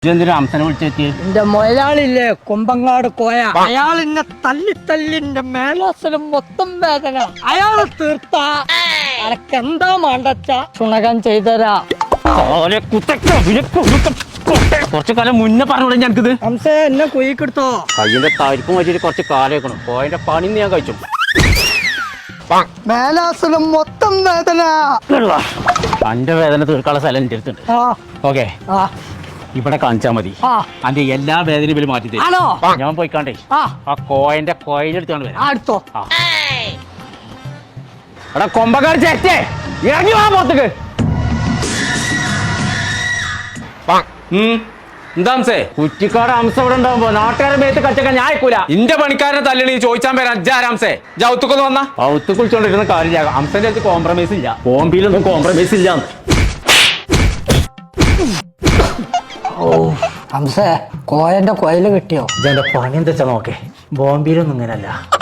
എന്തിനാ അംസനെ വിളിച്ചെത്തി? എന്റെ മുതലാളില്ലേ കൊമ്പങ്ങാട് കോയ, അയാൾ എന്നെ തല്ലിന്റെ മേലാസനം മൊത്തം വേദന. അയാളെ തീർത്ത അനക്കെന്താ മാണ്ടച്ച ചുണകം ചെയ്തരാ. കുറച്ചു കാലം മുന്നേ പറഞ്ഞോളൂ ഞങ്ങൾക്കിത്. ഹംസേ എന്നെ കുയിക്കെടുത്തോ. കയ്യിന്റെ തരിപ്പും വെച്ചിട്ട് കുറച്ച് കാലം വെക്കണം. കോയന്റെ പണി ഞാൻ കഴിച്ചു. മേലാസനം മൊത്തം വേദന. അന്റെ വേദന തീർക്കാനുള്ള സ്ഥലം എന്റെ അടുത്തുണ്ട്. ഓക്കെ, ഇവിടെ കാണിച്ചാ മതി. അന്റെ എല്ലാ വേദനയും ഇവര് മാറ്റി തരും. ഞാൻ പോയിക്കാണ്ടേ ആ കോയന്റെ കോയിലെടുത്താണ് വരാം. അടുത്തോ എടാ കൊമ്പക്കാർ ചേച്ചേ ഇറങ്ങി വാ പോത്തേക്ക്. എന്താ കുറ്റിക്കാട് അംശം ഇവിടെ ഉണ്ടാവുമ്പോ നാട്ടുകാരെ മേത്ത് കച്ചക്കാൻ ഞാൻ അയക്കൂല. ഇന്റെ പണിക്കാരനെ തല്ലണി ചോദിച്ചാൻ പേര് അഞ്ചാരാംസേ ജൗത്തുക്കൊന്ന് വന്ന ഔത്ത് കുളിച്ചോണ്ടിരുന്ന കാര്യം അംശന്റെ അടുത്ത് കോംപ്രമൈസ് ഇല്ല. ബോംബിയിലൊന്നും കോംപ്രമൈസ് ഇല്ല. ഹംസേ കോയന്റെ കോയില് കിട്ടിയോ? ഇതെന്റെ പണി എന്താ വെച്ചാ നോക്കേ, ബോംബിയിലൊന്നും ഇങ്ങനല്ല.